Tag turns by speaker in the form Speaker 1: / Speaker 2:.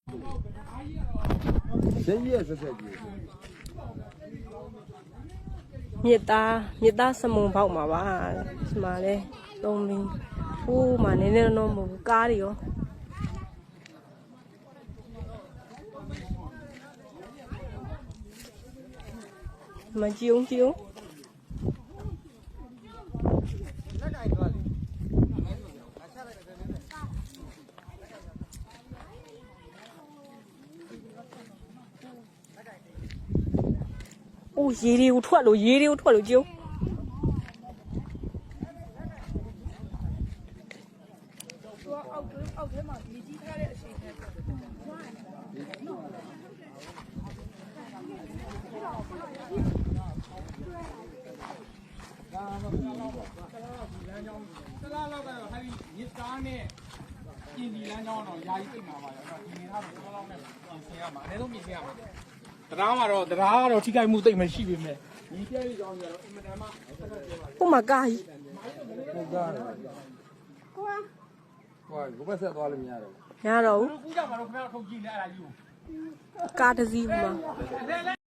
Speaker 1: 真也是这句。
Speaker 2: မြစ်သားစမုံပေါက်မှာပါဒီမှာလဲသုံးမင်းဟိုးမှာနည်းနည်းတော့မဟုတ်ဘူးကားတွေရောမကြည့်အောင်အိုးရေတွေကိုထွက်လို့ကြည့်
Speaker 3: အောက်ထဲမှာမြေကြီးထားတဲ့အချိန်နဲ့
Speaker 4: တလားလောက်ကတော့ဟာဒီညစ်သားနဲ့ပြင်ဒီလမ်းကြောင်းတော့ယာယီသိမှာပါရောဒီနေသားတော့တလားလောက်နဲ့ပြင်ဆင်ရမှာအနည်းဆုံးပြင်ဆင်ရမှာတရားကတော့ထိခိုက်မှုသိမ့်မရှိပေမဲ့ဒီပြည့်ရကြောင်းကြတော့အင်မတန်မှ
Speaker 2: ဟိုမှာကားကြီး
Speaker 1: ဟုတ်ကားတယ်ကွာဘုဘဆက်သွားလို့မရတော့
Speaker 2: ရတော့ဘူး
Speaker 4: ကူးကြမှာတော့ခင်ဗျားထုတ်ကြည့်လဲအဲ့ဒါယူ
Speaker 2: ကားတစ်စီးဟိုမှာ